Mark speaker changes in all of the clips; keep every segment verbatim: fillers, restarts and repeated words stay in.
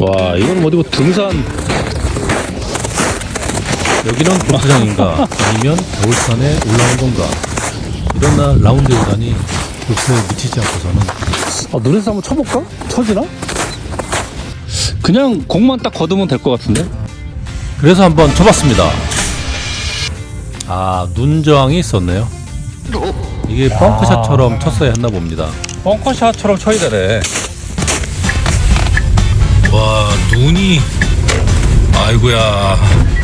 Speaker 1: 와, 이건 어디 뭐 등산. 여기는 골프장인가 아니면 겨울산에 올라온 건가. 이런 날 라운드에 오다니 골프에 미치지 않고서는. 아, 눈에서 한번 쳐볼까? 쳐지나? 그냥 공만 딱 걷으면 될 것 같은데. 그래서 한번 쳐봤습니다. 아, 눈 저항이 있었네요. 이게 벙커샷처럼 쳤어야 했나 봅니다. 벙커샷처럼 쳐야 되네. 와, 눈이. 아이고야.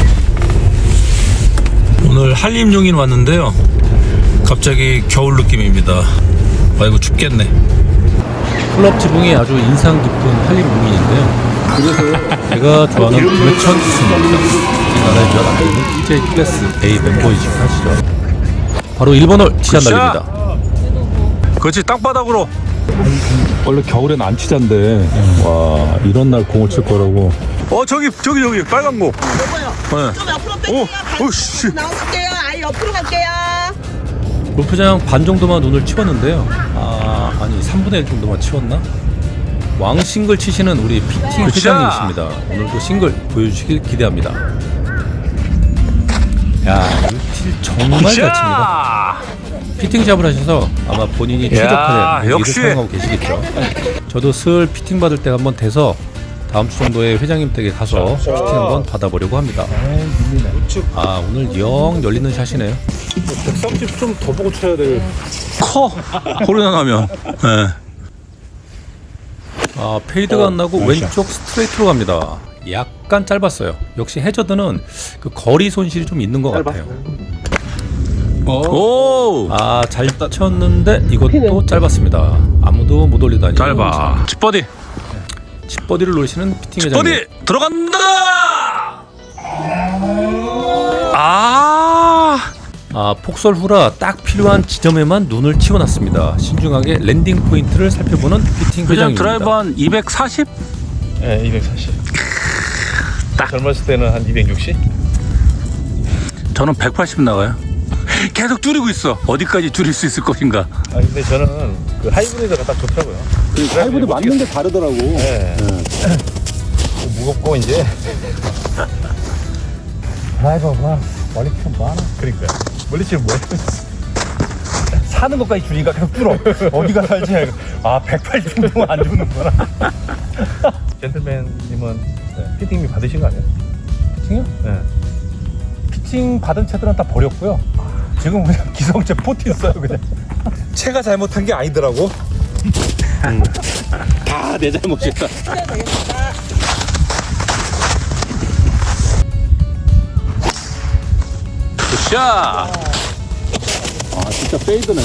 Speaker 1: 오늘 한림용인 왔는데요. 갑자기 겨울 느낌입니다. 아이고, 춥겠네. 클럽 지붕이 아주 인상 깊은 한림용인인데요. 그래서 제가 좋아하는 김해천 스승입니다. 이 나라의 몇 안되는 디제이 클래스 A 멤버이시고 하시죠. 바로 일 번 홀 티샷 날립니다. 그렇지, 땅바닥으로. 원래 겨울엔 안 치잔데. 음. 와, 이런 날 공을 칠 거라고. 어, 저기 저기 저기 빨간 공.
Speaker 2: 요거요.
Speaker 1: 네.
Speaker 2: 좀 옆으로 빼세요.
Speaker 1: 오, 오, 씨.
Speaker 2: 나올게요. 아예 옆으로 갈게요.
Speaker 1: 골프장 반 정도만 눈을 치웠는데요. 아, 아니 삼분의 일 정도만 치웠나? 왕 싱글 치시는 우리 피팅 회장님이십니다. 오늘도 싱글 보여주시길 기대합니다. 야, 유틸 정말 잘 칩니다. 피팅잡을 하셔서 아마 본인이 최적화된 무기를 사용하고 계시겠죠. 저도 슬 피팅 받을 때 한번 돼서 다음 주 정도에 회장님 댁에 가서 피팅 한번 받아보려고 합니다. 아, 오늘 영 열리는 샷이네요. 백삼십 좀 더 보고 쳐야 될. 커! 홀이나 나면. 네. 아, 페이드가 안 나고 왼쪽 스트레이트로 갑니다. 약간 짧았어요. 역시 해저드는 그 거리 손실이 좀 있는 것 같아요. 오! 아, 잘 쳤는데 이것도 짧았습니다. 아무도 못 올리다니. 짧아. 칩버디. 칩버디를 노리시는 피팅 회장님. 칩버디 들어간다. 아! 아, 폭설 후라 딱 필요한 지점에만 눈을 치워놨습니다. 신중하게 랜딩 포인트를 살펴보는 피팅 회장입니다. 드라이버 한 이백사십?
Speaker 3: 네, 이백사십. 딱 젊었을 때는 한 이백육십?
Speaker 1: 저는 백팔십 나가요. 계속 줄이고 있어. 어디까지 줄일 수 있을 것인가.
Speaker 3: 아, 근데 저는 그 하이브리드가 딱 좋더라고요.
Speaker 4: 그 하이브리드 맞는 게 다르더라고.
Speaker 3: 네. 네. 무겁고 이제 드라이버가 멀리 치면 뭐하나? 그러니까 멀리 치면 뭐해? 사는 것까지 줄이니까 계속 줄어. 어디가 살지? 아, 백팔십 정도는 안 죽는구나. 젠틀맨님은 네. 피팅비 받으신 거 아니에요?
Speaker 1: 피팅이요?
Speaker 3: 네.
Speaker 1: 피팅 받은 채들은 다 버렸고요. 지금 그냥 기성제 포티 써요, 그냥.
Speaker 3: 채가 잘못한 게 아니더라고.
Speaker 1: 음. 다 내 잘못이다. 굿샷!
Speaker 4: 아, 진짜 페이드네.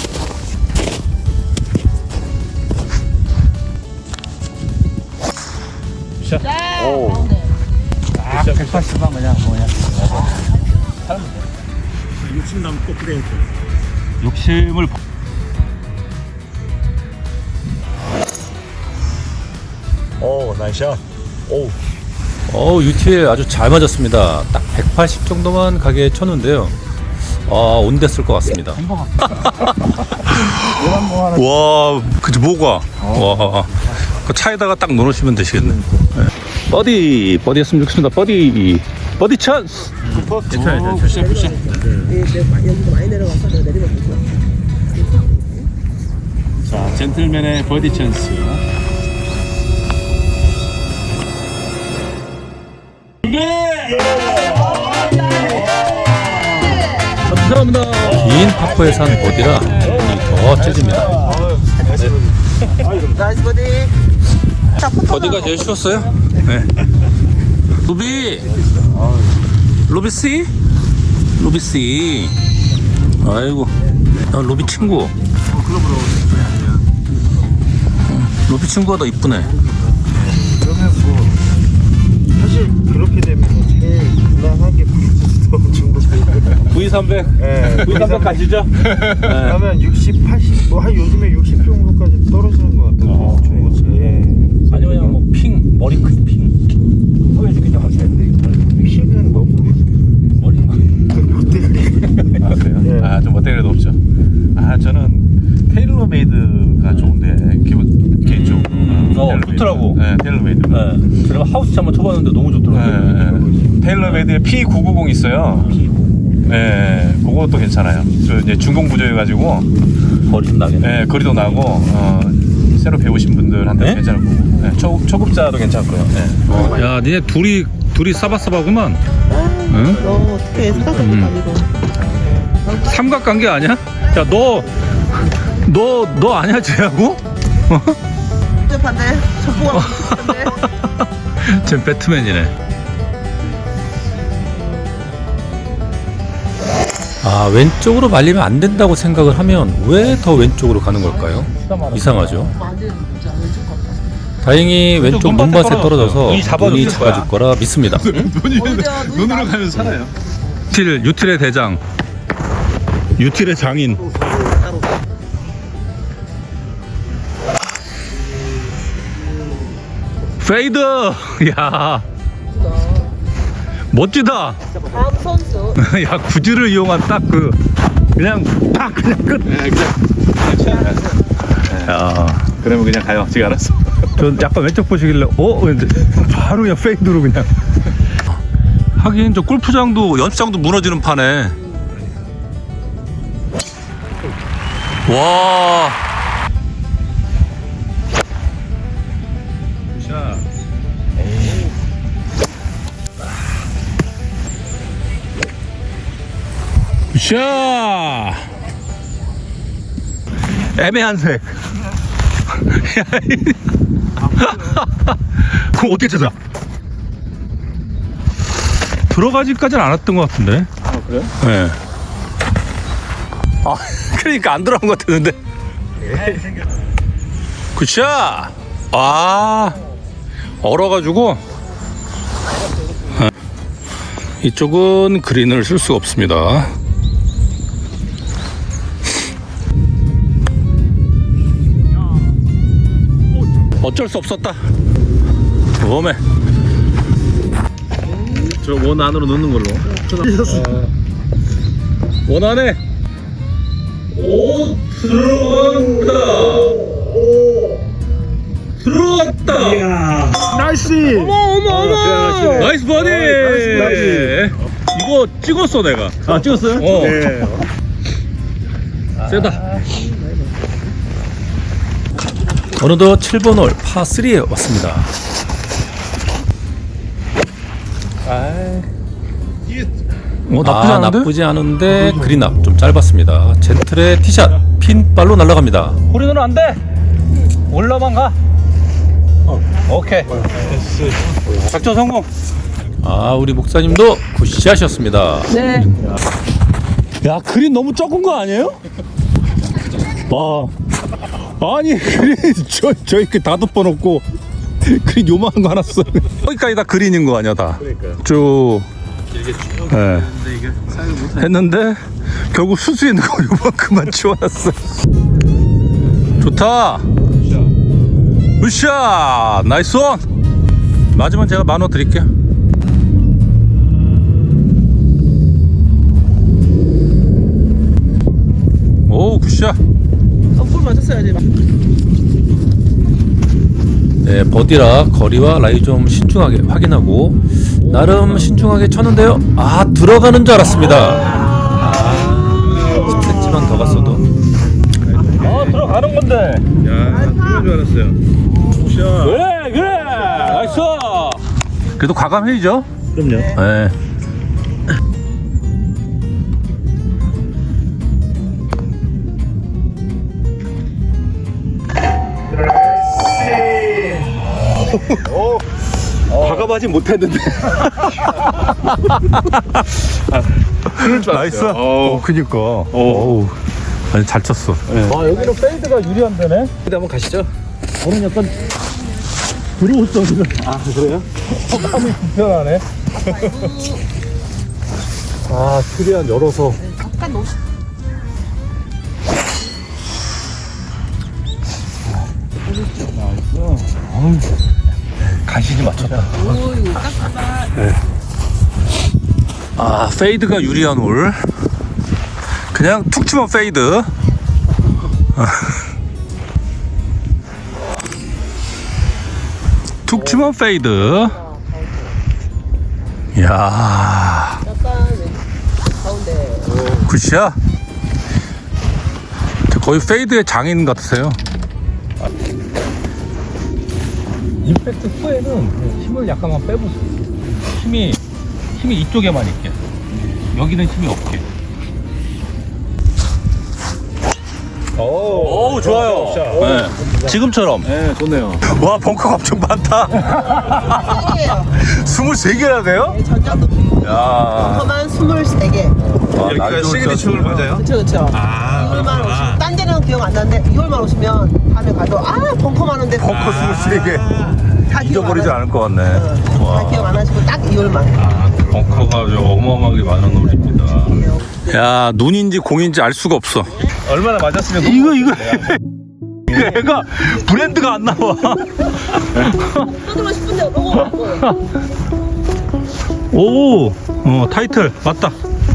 Speaker 3: 샷.
Speaker 4: 오.
Speaker 3: 아, 백팔십만 그냥 뭐냐. 육십 남고 그래.
Speaker 1: 욕심을.
Speaker 3: 오, 나이스 샷. 오.
Speaker 1: 어, 유티에 아주 잘 맞았습니다. 딱 백팔십 정도만 가게 쳤는데요. 아, 온댔을 것 같습니다. 와, 그치, 뭐가? 와, 그 차에다가 딱 넣으시면 되시겠네. 네. 버디, 버디 했으면 좋겠습니다. 버디, 버디 찬스!
Speaker 3: 괜찮아요, 굿샷, 굿샷.
Speaker 2: 여기도 많이 내려가서 내가 내리면 되죠.
Speaker 3: 자, 젠틀맨의 버디 찬스.
Speaker 1: 감사합니다. 긴 파포에 산 버디라 눈이 더 찔립니다.
Speaker 2: 나이스 버디.
Speaker 1: 버디가 제일 쉬웠어요? 네. 루비! 루비 씨? 루비 씨. 아이고. 아, 루비 친구. 루비 친구가 더 이쁘네.
Speaker 5: 그러면 뭐 사실 그렇게 되면 제일 무난한 게 박지수 정도.
Speaker 1: 브이 삼백.
Speaker 5: 예,
Speaker 1: 브이 삼백 가시죠?
Speaker 5: 그러면 육십, 팔십, 뭐 한 요즘에 육십 정도까지 떨어지는 것 같아요.
Speaker 1: 어.
Speaker 5: 예.
Speaker 1: 아니 그냥 뭐 핑, 머리 큰 핑. 보여주기 좀 하시는데
Speaker 5: 픽시는 너무
Speaker 1: 머리.
Speaker 5: 못돼.
Speaker 3: 아, 그래요?
Speaker 5: 예.
Speaker 3: 아, 좀 멋대기도 없죠. 아, 저는 테일러메이드가 좋은데, 기본, 개인적으로.
Speaker 1: 음, 어,
Speaker 3: 테일러메이드.
Speaker 1: 좋더라고.
Speaker 3: 네, 테일러메이드가.
Speaker 1: 네. 제가 하우스 한번 쳐봤는데 너무 좋더라고요.
Speaker 3: 네. 테일러메이드에 피 구백구십 있어요. 네, 그것도 괜찮아요. 저 이제 중공 부조해가지고
Speaker 1: 거리 좀 나겠네.
Speaker 3: 네, 거리도 나고 어, 새로 배우신 분들한테
Speaker 1: 네?
Speaker 3: 괜찮을 거고 네, 초, 초급자도 괜찮고요. 네.
Speaker 1: 야, 니네 둘이 둘이 싸바싸바구만. 응?
Speaker 2: 너 어떻게 생각도
Speaker 1: 음.
Speaker 2: 아니고.
Speaker 1: 삼각관계 아니야? 야, 너 너 너 아니야 쟤하고?
Speaker 2: 반대. 전부가 반대.
Speaker 1: 쟤 배트맨이네. 아, 왼쪽으로 말리면 안 된다고 생각을 하면 왜 더 왼쪽으로 가는 걸까요? 이상하죠. 다행히 왼쪽 눈밭에 떨어져서
Speaker 3: 눈이 잡아줄
Speaker 1: 눈이
Speaker 3: 거야.
Speaker 1: 잡아줄 거라 믿습니다.
Speaker 3: 눈으로 가면 살아요.
Speaker 1: 유틸, 유틸의 대장, 유틸의 장인. 페이드! 야, 멋지다.
Speaker 2: 다음 선수.
Speaker 1: 야, 구질을 이용한 딱 그 그냥 딱 그냥 끝.
Speaker 3: 네, 그냥
Speaker 1: 야,
Speaker 3: 그러면 그냥 가요. 지가 알았어.
Speaker 1: 저 약간 왼쪽 보시길래 어? 근데 바로 그냥 페이드로 그냥. 하긴 저 골프장도 연습장도 무너지는 판에. 와. 샤. 애매한 색. 그럼 어떻게 찾아? 들어가지까지는 않았던 것 같은데.
Speaker 3: 아 그래요?
Speaker 1: 네. 아, 그러니까 안 들어간 것 같았는데. 굿샷. 아, 얼어가지고. 이쪽은 그린을 쓸 수가 없습니다. 어쩔 수 없었다. 웜에
Speaker 3: 저 원 안으로 넣는 걸로.
Speaker 1: 어, 원 안에 오 들어간다. 들어갔다.
Speaker 5: 나이스.
Speaker 2: 어머 어머 어머.
Speaker 1: 나이스 버디.
Speaker 5: 나이스,
Speaker 1: 이거 찍었어 내가.
Speaker 5: 아 찍었어요?
Speaker 1: 어.
Speaker 5: 네.
Speaker 1: 세다. 어느덧 칠 번 홀 파삼에 왔습니다. 어, 나쁘지, 아, 않은데? 나쁘지 않은데 그린 앞 좀 짧았습니다. 젠틀의 티샷 핀발로 날아갑니다. 홀인은 안 돼. 올라만 가. 오케이. 작전 성공. 아, 우리 목사님도 굿샷이었습니다.
Speaker 2: 네.
Speaker 1: 야, 그린 너무 적은 거 아니에요? 와. 아니, 그린 저, 저 이렇게 다 덮어놓고 그린 요만한 거 하나 써. 거기까지 다 그린인 거 아니야, 다.
Speaker 3: 그러니까요.
Speaker 1: 쭉. 네.
Speaker 3: 이게 사용을 못하니까.
Speaker 1: 했는데 결국 수수 있는 거 요만큼만 치워놨어. 좋다. 굿샷. 나이스 원. 맞으면 제가 만원 드릴게요. 오, 굿샷.
Speaker 2: 어플 맞췄어야지.
Speaker 1: 네, 버디라 거리와 라이 좀 신중하게 확인하고 나름 신중하게 쳤는데요. 아, 들어가는 줄 알았습니다. 아, 십 센티미터만 더 갔어도. 아, 들어가는 건데.
Speaker 3: 야, 그런 줄 알았어요. 굿샷.
Speaker 1: 그래, 그래. 나이스. 그래도 과감해야죠.
Speaker 3: 그럼요.
Speaker 1: 네.
Speaker 3: 과감하지 못했는데. 그럴 줄
Speaker 1: 나이스.
Speaker 3: 알았어요.
Speaker 1: 어, 그니까. 어우, 아니, 잘 쳤어.
Speaker 5: 아 여기는 페이드가 유리한데네.
Speaker 3: 근데 한번 가시죠.
Speaker 5: 저는 약간 들어오죠 지금.
Speaker 3: 아 그래요?
Speaker 5: 마음이 불편하네.
Speaker 1: 아, 최대한 열어서.
Speaker 2: 잠깐 놓.
Speaker 1: 간신히 맞췄다.
Speaker 2: 오 이거 깜깜아.
Speaker 1: 아, 페이드가 유리한 홀. 그냥 툭 치면 페이드. 툭 치면 페이드. 이야,
Speaker 2: 약간 가운데.
Speaker 1: 굿이야. 거의 페이드의 장인 같으세요. 임팩트 후에는 힘을 약간만 빼보세요. 힘이 힘이 이쪽에만 있게. 여기는 힘이 없게. 오, 오 좋아요. 네. 지금처럼.
Speaker 3: 네, 좋네요.
Speaker 1: 와, 벙커가 엄청 많다. 스물세 개나 돼요?
Speaker 2: 전장도
Speaker 1: 야.
Speaker 2: 벙커만 스물세 개.
Speaker 3: 여기가 시그니처를 맞아요?
Speaker 2: 그쵸, 그쵸.
Speaker 3: 아,
Speaker 2: 이월만 오시면, 딴 데는 기억 안 나는데, 이월만 오시면, 다음에 가도, 아, 벙커 많은데.
Speaker 1: 벙커 스물세 개.
Speaker 2: 다 기억
Speaker 1: 잊어버리지
Speaker 2: 안
Speaker 1: 않을 것 같네.
Speaker 2: 하- 다 기억 안 하시고, 딱 이월만.
Speaker 1: 아, 벙커가 아주 어마어마하게 많은 홀입니다. 야, 눈인지 공인지 알 수가 없어.
Speaker 3: 얼마나 맞았으면
Speaker 1: 이거 이거 얘가 브랜드가 안 나와.
Speaker 2: 던지고 싶은데, 너무
Speaker 1: 오, 어 타이틀 맞다.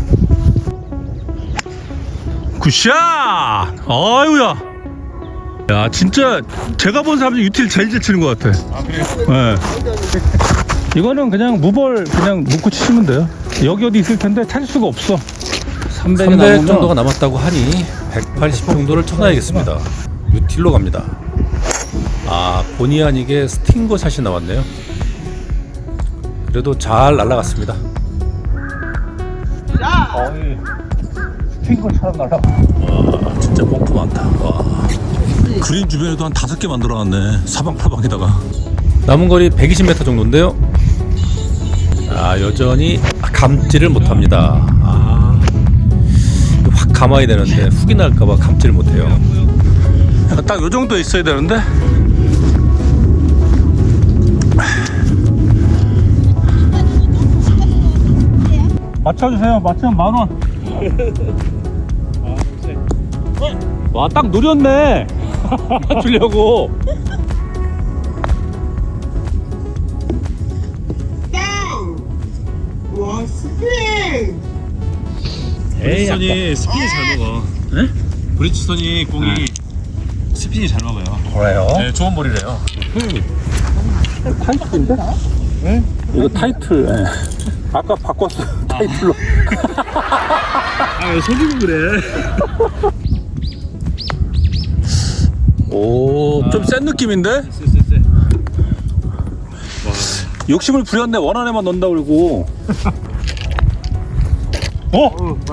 Speaker 1: 굿샷. 아유야. 야, 진짜 제가 본 사람 중에 유틸 제일 잘 치는 것 같아. 아, 그래요? 네. 이거는 그냥 무벌 그냥 묶고 치시면 돼요. 여기 어디 있을 텐데 찾을 수가 없어. 삼백 정도가 남았다고 하니 백팔십 정도를 쳐놔야겠습니다. 유틸로 갑니다. 아, 본의 아니게 스팅거 샷이 나왔네요. 그래도 잘 날아갔습니다.
Speaker 3: 거의 스팅거처럼 날아가.
Speaker 1: 와, 진짜 벙커 많다. 와. 그린 주변에도 한 다섯 개 만들어놨네. 사방팔방에다가. 남은 거리 백이십 미터 정도인데요. 아, 여전히 감지를 못합니다. 아, 확 감아야 되는데 훅이 날까봐 감지를 못해요. 딱 요 정도에 있어야 되는데. 맞춰주세요. 맞추면 만 원. 와, 딱 노렸네. 맞추려고.
Speaker 3: 브리치선이 스핀이 잘 먹어.
Speaker 1: 네?
Speaker 3: 브리치선이 공이 스핀이 잘 먹어요.
Speaker 1: 그래요?
Speaker 3: 네, 좋은 볼이래요.
Speaker 1: 타이틀인데? 네? 이거 타이틀. 네. 아까 바꿨어. 타이틀로.
Speaker 3: 아, 왜 속이고 그래?
Speaker 1: 오, 좀 센 느낌인데?
Speaker 3: 쎄쎄쎄.
Speaker 1: 욕심을 부렸네. 원한 애만 넣는다 그러고. 어?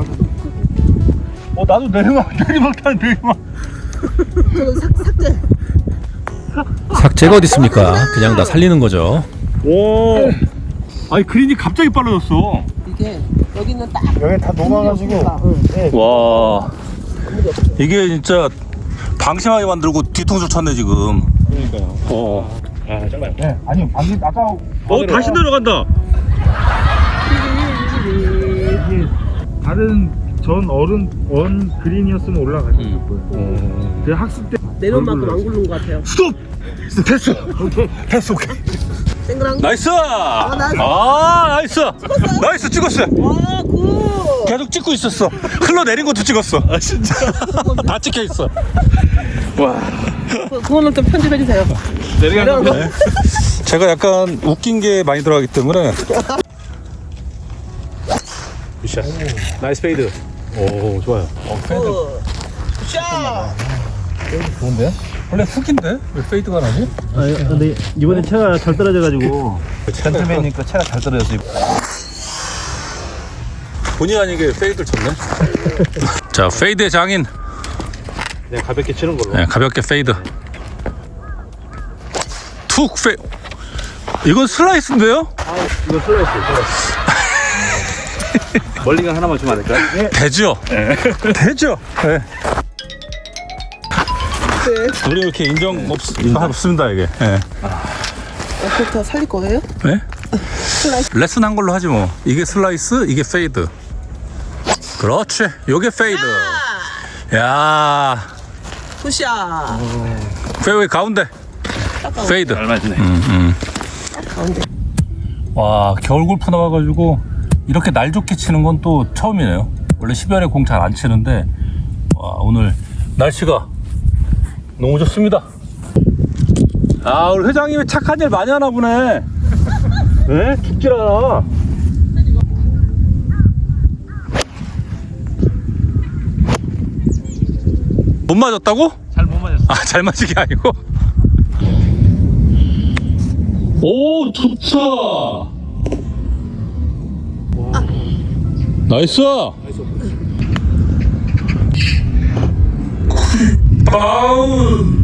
Speaker 3: 어, 나도 내리막, 내리막 타는 내리막.
Speaker 2: 저건 삭, 삭제.
Speaker 1: 삭제가 어디 있습니까? 그냥 다 살리는 거죠.
Speaker 3: 오. 아니, 그린이 갑자기 빨라졌어.
Speaker 2: 이게, 여기는 딱.
Speaker 5: 여기 다 녹아가지고.
Speaker 2: 응.
Speaker 1: 와, 이게 진짜 방심하게 만들고 뒤통수 쳤네 지금.
Speaker 3: 그러니까요.
Speaker 1: 어.
Speaker 3: 아, 정말.
Speaker 5: 네, 아니, 방금 아까.
Speaker 3: 어, 다시 내려간다.
Speaker 5: 다른 전 어른 원 그린이었으면 올라갔을 거예요. 그 학습 때
Speaker 2: 내려온 만큼 안 굴른 것 같아요.
Speaker 1: 스톱! 됐어. 오케이. 됐어. 오케이.
Speaker 2: 땡그랑.
Speaker 1: 나이스!
Speaker 2: 나이스.
Speaker 1: 아, 나이스! 나이스 찍었어.
Speaker 2: 와, 굿.
Speaker 1: 계속 찍고 있었어. 흘러내린 것도 찍었어. 아, 진짜. 다 찍혀 있어.
Speaker 2: 그, 그거는 좀 편집해주세요.
Speaker 3: 내려간 거.
Speaker 1: 네. 제가 약간 웃긴 게 많이 들어가기 때문에. 굿샷. 나이스 페이드. 오, 좋아요. 어, 페이드.
Speaker 2: 굿샷.
Speaker 1: 좋은데? 원래 훅인데? 왜 페이드가 나지?
Speaker 5: 아니, 근데 이번에 채가 잘 떨어져가지고
Speaker 3: 젠틀맨이니까 차가 잘 떨어졌어.
Speaker 1: 본의 아니게 페이드를 쳤네. 자, 페이드의 장인.
Speaker 3: 네, 가볍게 치는 걸로.
Speaker 1: 네, 가볍게 페이드. 툭 페. 이건 슬라이스인데요?
Speaker 3: 이거 슬라이스, 슬라이스. 멀리가 하나만 주면 안 될까요?
Speaker 1: 되죠? 되죠? 네. 우리 이렇게 인정 없, 없습니다, 이게. 네.
Speaker 2: 그거 살릴 거예요?
Speaker 1: 네? 레슨 한 걸로 하지 뭐. 이게 슬라이스, 이게 페이드. 그렇지. 요게 페이드. 야,
Speaker 2: 굿샷.
Speaker 1: 페이웨이 가운데. 페이드.
Speaker 3: 잘 맞네.
Speaker 1: 음, 음.
Speaker 2: 가운데.
Speaker 1: 와, 겨울 골프 나와가지고 이렇게 날 좋게 치는 건 또 처음이네요. 원래 십월에 공 잘 안 치는데, 와, 오늘 날씨가 너무 좋습니다.
Speaker 3: 아 우리 회장님이 착한 일 많이 하나 보네. 네? 죽질 않아. 못 맞았다고?
Speaker 1: 잘 못 맞았어.
Speaker 3: 아, 잘 맞은 게 아니고. 오, 좋다. 나이스. 다운.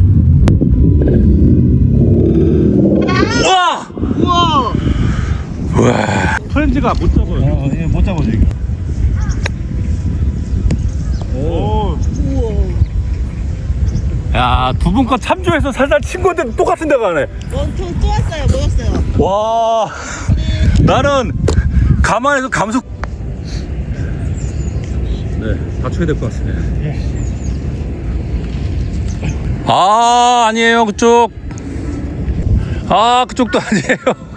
Speaker 3: 와.
Speaker 2: 우와.
Speaker 3: 와. 프렌즈가 못 잡아요.
Speaker 5: 어, 예, 못 잡아줘 이거. 오.
Speaker 3: 야, 두 분 거 참조해서 살살 친 건데 똑같은 데 가네.
Speaker 2: 원투 또 왔어요. 모였어요.
Speaker 3: 와. 나는 가만히서 감속. 네, 받쳐야 될 것 같습니다. 아, 아니에요, 그쪽. 아, 그쪽도 아니에요.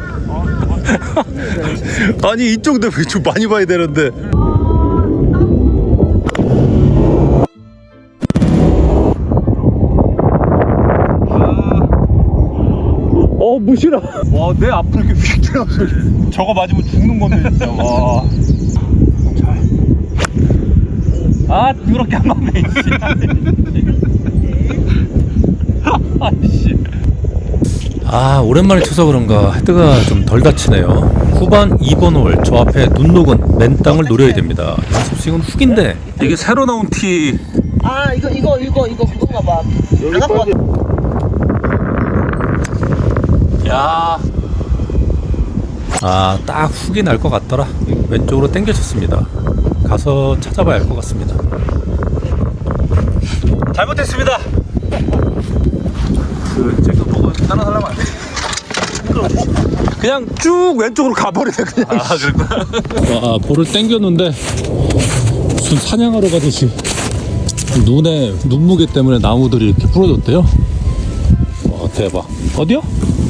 Speaker 3: 아니, 이쪽도 좀 많이 봐야 되는데. 어, 무시라. 와, 내 앞으로 이렇게 휙 들어가서 저거 맞으면 죽는 건데, 진짜. 와. 아, 이렇게 한 번에, 아이씨.
Speaker 1: 아, 오랜만에 쳐서 그런가 헤드가 좀 덜 다치네요. 후반 이 번 홀 저 앞에 눈 녹은 맨 땅을 노려야 됩니다. 연습 스윙은 훅인데
Speaker 3: 이게 새로 나온 티.
Speaker 2: 아 이거 이거 이거 이거 그건가 봐.
Speaker 5: 여기
Speaker 2: 안 갖고
Speaker 5: 빠져.
Speaker 3: 야.
Speaker 1: 아, 딱 훅이 날 것 같더라. 왼쪽으로 당겨졌습니다. 가서 찾아봐야 할 것 같습니다.
Speaker 3: 잘못했습니다. 그 제가 보고 따라 하려면 안 돼. 그냥 쭉 왼쪽으로 가버리네 그냥. 아 그랬구나.
Speaker 1: 와, 볼을 당겼는데 무슨 사냥하러 가듯이 눈에 눈무게 때문에 나무들이 이렇게 부러졌대요. 와, 대박. 어디요?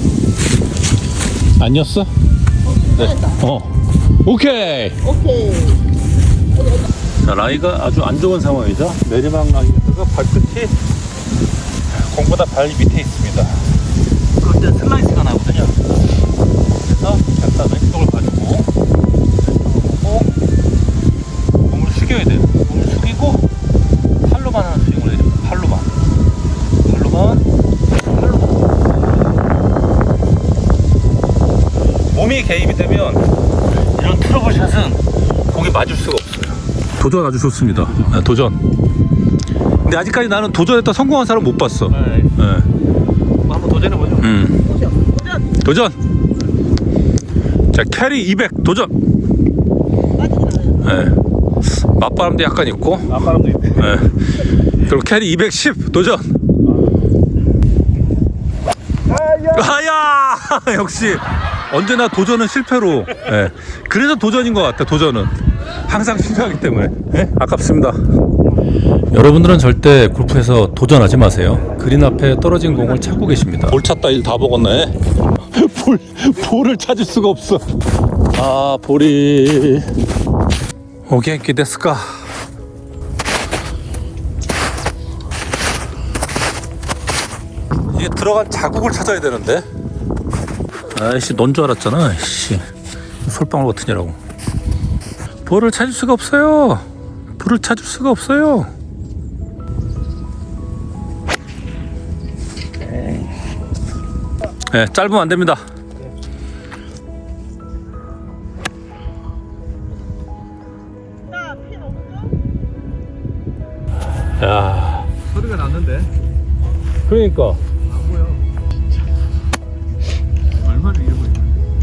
Speaker 1: 아니었어? 네. 어. 오케이.
Speaker 2: 오케이.
Speaker 3: 자, 라이가 아주 안 좋은 상황이죠. 내리막 라인에다가 발끝이 공보다 발 밑에 있습니다. 그럴 때 슬라이스가 나거든요. 그래서 약간 왼쪽을 가지고 왼쪽으로 보고 몸을 숙여야 돼요. 몸을 숙이고 팔로만 하는 스윙을 해야 됩니다. 팔로만. 팔로만. 팔로만. 몸이 개입이 되면 이런 트러블샷은 공이 맞을 수가 없어요. 도전 아주 좋습니다. 네, 도전. 근데 아직까지 나는 도전했다 성공한 사람 못 봤어. 네. 네.
Speaker 5: 한번 도전해보죠.
Speaker 3: 음.
Speaker 2: 도전.
Speaker 3: 도전. 자, 캐리 이백 도전. 네. 맞바람도 약간 있고.
Speaker 5: 앞바람도 있대.
Speaker 3: 네. 그리고 캐리 이백십 도전. 아야! 역시 언제나 도전은 실패로. 네. 그래서 도전인 것 같아. 도전은 항상 실패하기 때문에. 네? 아깝습니다.
Speaker 1: 여러분들은 절대 골프에서 도전하지 마세요. 그린 앞에 떨어진 공을 찾고 계십니다.
Speaker 3: 볼 찾다 일 다 먹었네. 볼, 볼을 찾을 수가 없어. 아, 볼이. 오겐키 데스까. 이게 들어간 자국을 찾아야 되는데. 아이씨, 넌 줄 알았잖아. 씨, 솔방울 같으냐라고. 볼을 찾을 수가 없어요. 볼을 찾을 수가 없어요. 네, 짧으면 안 됩니다.
Speaker 2: 자핀 없죠?
Speaker 3: 야,
Speaker 5: 소리가 났는데.
Speaker 3: 그러니까.
Speaker 5: 안 보여. 진짜. 얼마나 이러고 있나.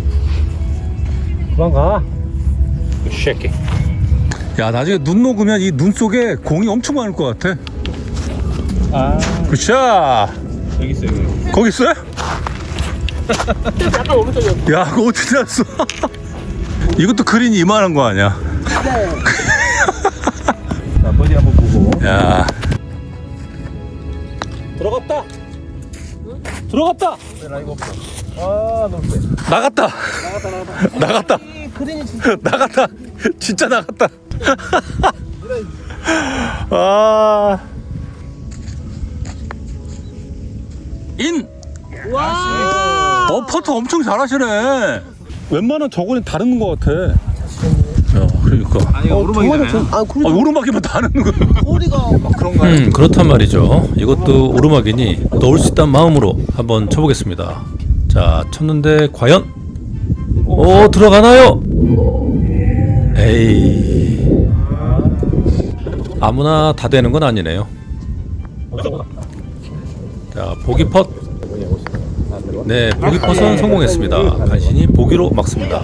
Speaker 3: 그만 가. 쉐키. 야, 나중에 눈 녹으면 이 눈 속에 공이 엄청 많을 것 같아.
Speaker 5: 아,
Speaker 3: 굿샷.
Speaker 5: 여기 있어요. 여기.
Speaker 3: 거기 있어요?
Speaker 2: 약간 오른쪽이요.
Speaker 3: 야, 그거 어떻게 알았어? 이것도 그린이 이만한 거 아니야?
Speaker 2: 네.
Speaker 5: 자, 버디 한번 보고.
Speaker 3: 야. 들어갔다. 들어갔다.
Speaker 5: 라이브 없어. 아, 너무 세.
Speaker 3: 나갔다.
Speaker 5: 나갔다, 나갔다.
Speaker 3: 나갔다.
Speaker 2: 이 그린이 진짜
Speaker 3: 나갔다. 진짜 나갔다. 아. 인.
Speaker 2: 와.
Speaker 3: 어, 퍼트 엄청 잘하시네. 웬만한 저거는 다른 것 같아. 야, 그러니까.
Speaker 5: 아니 오르막이잖아요.
Speaker 2: 아,
Speaker 3: 아,
Speaker 2: 그리고
Speaker 3: 오르막이면 다는 거야.
Speaker 2: 거리가
Speaker 3: 그런가요?
Speaker 1: 음, 그렇단 말이죠. 이것도 오르막이니 넣을 수 있다는 마음으로 한번 쳐보겠습니다. 자, 쳤는데 과연 오, 들어가나요? 에이, 아무나 다 되는 건 아니네요. 자, 보기 펫. 네, 보기 펫은 성공했습니다. 간신히 보기로 막습니다.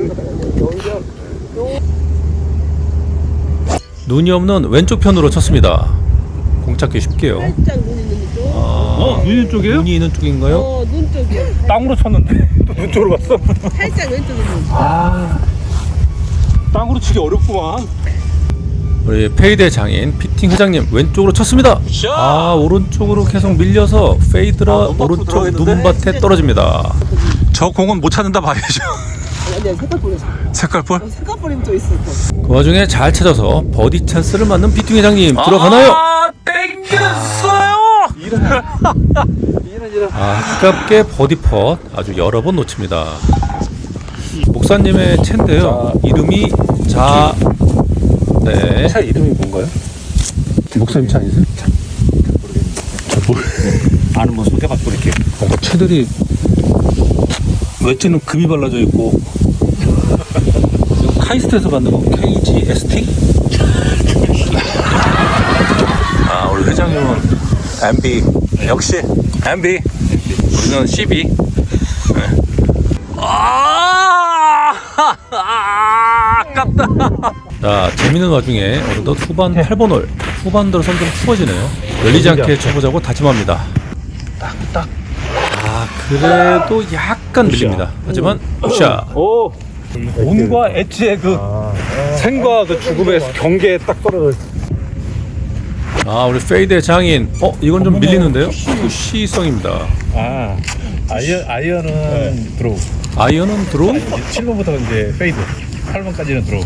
Speaker 1: 눈이 없는 왼쪽 편으로 쳤습니다. 공 찾기 쉽게요.
Speaker 2: 살짝 눈 있는 쪽.
Speaker 3: 어, 눈 있는 쪽이에요?
Speaker 1: 눈이 있는 쪽인가요?
Speaker 2: 어, 눈 쪽이요.
Speaker 3: 땅으로 쳤는데 또 눈 쪽으로 갔어.
Speaker 2: 살짝 왼쪽에 눈.
Speaker 3: 아, 땅으로 치기 어렵구만.
Speaker 1: 우리 페이드 장인 피팅 회장님 왼쪽으로 쳤습니다.
Speaker 3: 샷!
Speaker 1: 아, 오른쪽으로 계속 밀려서 페이드라
Speaker 3: 아, 눈 밖으로
Speaker 1: 오른쪽
Speaker 3: 들어가겠는데?
Speaker 1: 눈밭에 떨어집니다.
Speaker 3: 저 공은 못 찾는다 봐야죠.
Speaker 2: 아니, 아니, 색깔 보내서.
Speaker 3: 색깔볼?
Speaker 2: 색깔 버리면 또 있어. 또.
Speaker 1: 그 와중에 잘 찾아서 버디 찬스를 맞는 피팅 회장님 들어가나요?
Speaker 3: 아, 땡겼어요.
Speaker 1: 아, 아깝게 버디 펫 아주 여러 번 놓칩니다. 목사님의 채인데요. 이름이 자, 네.
Speaker 3: 차 이름이 뭔가요? 목사님 차 아니세요? 아는 뭐 소개받고 이렇게 뭔가 채들이 외째는 금이 발라져 있고 카이스트에서 받는 거 케이지에스티? 아, 우리 회장님은 엠비 역시 엠비 우리는 씨비. 네. 아, 아깝다.
Speaker 1: 자, 재밌는 와중에 어느덧 후반 팔 번 홀. 후반 들어선 좀 추워지네요. 열리지 않게 쳐보자고 다짐합니다.
Speaker 3: 딱.
Speaker 1: 아, 그래도 약간 밀립니다. 하지만 샷.
Speaker 3: 오, 온과 엣지의 그 생과 그 죽음의 경계에 딱 떨어져 있어.
Speaker 1: 아, 우리 페이드의 장인. 어, 이건 좀 밀리는데요? 푸시성입니다.
Speaker 6: 아, 아이언, 아이언은 드로우.
Speaker 1: 아이언은 드로우?
Speaker 6: 칠 번부터 이제 페이드. 팔 번까지는 드로우.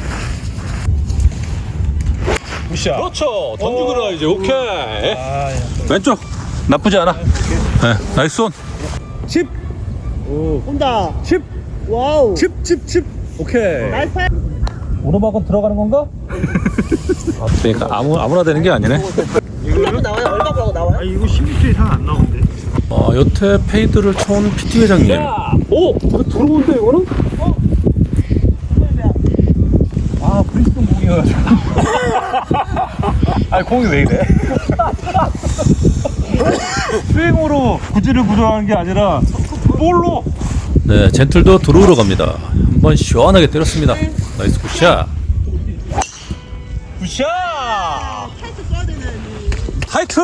Speaker 6: 굿샷.
Speaker 3: 그렇죠. 던지고 들어가야지. 오케이.
Speaker 6: 아,
Speaker 3: 왼쪽 나쁘지 않아. 네, 나이스 온. 칩,
Speaker 2: 온다.
Speaker 3: 칩,
Speaker 2: 와우.
Speaker 3: 칩, 칩, 칩. 오케이.
Speaker 2: 나이스.
Speaker 3: 오르막은 들어가는 건가? 그러니까 아무 아무나 되는 게 아니네.
Speaker 2: 이거 나와요? 얼마라고 나와요?
Speaker 5: 아 이거 십 미터 이상 안 나오는데.
Speaker 1: 어, 여태 페이드를 쳐온 피티 회장님.
Speaker 3: 오, 이거 들어오는데 이거는? 어? 아, 브리스톤 공이어가지고.
Speaker 6: 아, 공이 왜 이래?
Speaker 3: 스윙으로 구질을 부정하는 게 아니라 볼로.
Speaker 1: 네, 젠틀도 드로우로 갑니다. 한번 시원하게 때렸습니다. 나이스 굿샷.
Speaker 3: 굿샷! 타이틀!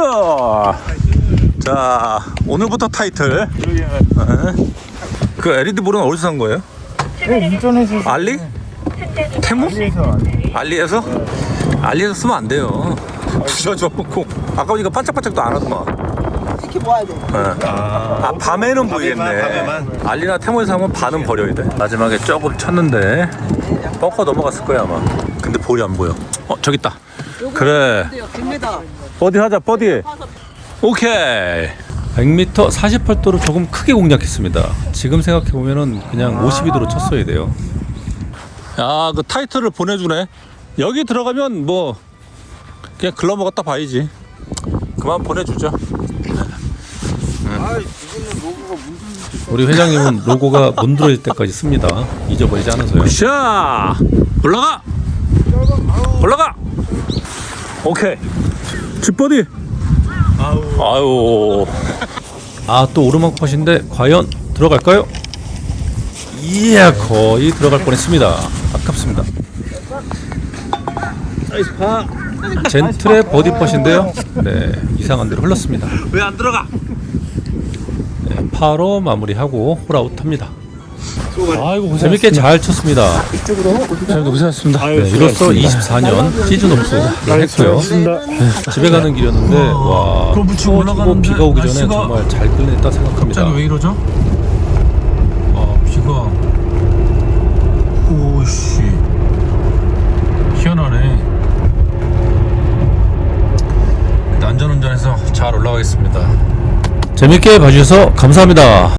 Speaker 3: 자, 오늘부터 타이틀. 네. 그 엘이디 볼은 어디서 산 거예요?
Speaker 5: 네, 인터넷에서.
Speaker 3: 알리? 테무?
Speaker 5: 알리에서.
Speaker 3: 알리에서? 알리에서 쓰면 안 돼요. 부셔져. 아까 보니까 반짝반짝도 안 하더만.
Speaker 2: 지키 모아야 돼.
Speaker 3: 네. 아, 밤에는 보이겠네.
Speaker 6: 밤에만.
Speaker 3: 알리나 테무에서 하면 반은 버려야 돼. 마지막에 조금 쳤는데 벙커 넘어갔을 거야 아마. 근데 볼이 안 보여. 어, 저기 있다. 그래.
Speaker 2: 백 미터.
Speaker 3: 버디 하자, 버디. 오케이.
Speaker 1: 백 미터 사십팔 도로 조금 크게 공략했습니다. 지금 생각해보면은 그냥 오십이 도로 쳤어야 돼요.
Speaker 3: 야, 그 타이틀을 보내주네. 여기 들어가면 뭐 그냥 글러 먹었다 봐야지. 그만 보내주죠.
Speaker 1: 우리 회장님은 로고가 문드러질 때까지 씁니다. 잊어버리지 않아서요.
Speaker 3: 샤 올라가 올라가. 오케이. 쥐버디. 아유.
Speaker 1: 아, 또 오르막 펫인데 과연 들어갈까요? 이야, 거의 들어갈 뻔했습니다. 아깝습니다.
Speaker 3: 나이스 파.
Speaker 1: 젠틀의 버디 펫인데요. 네, 이상한 대로 흘렀습니다.
Speaker 3: 왜 안 들어가?
Speaker 1: 네, 파로 마무리하고 홀아웃합니다. 아이고, 재밌게 잘 쳤습니다.
Speaker 3: 잘 고생하셨습니다.
Speaker 1: 네, 이로써 이십사 년 시즌 옵스를 했고요. 네, 집에 가는 길이었는데 와,
Speaker 3: 그거 붙이고
Speaker 1: 추워지고
Speaker 3: 올라가는데
Speaker 1: 비가 오기 전에
Speaker 3: 날씨가
Speaker 1: 정말 잘 끝냈다 생각합니다.
Speaker 3: 갑자기 왜 이러죠? 아, 비가. 오씨. 희한하네. 안전운전해서 잘 올라가겠습니다.
Speaker 1: 재밌게 봐주셔서 감사합니다.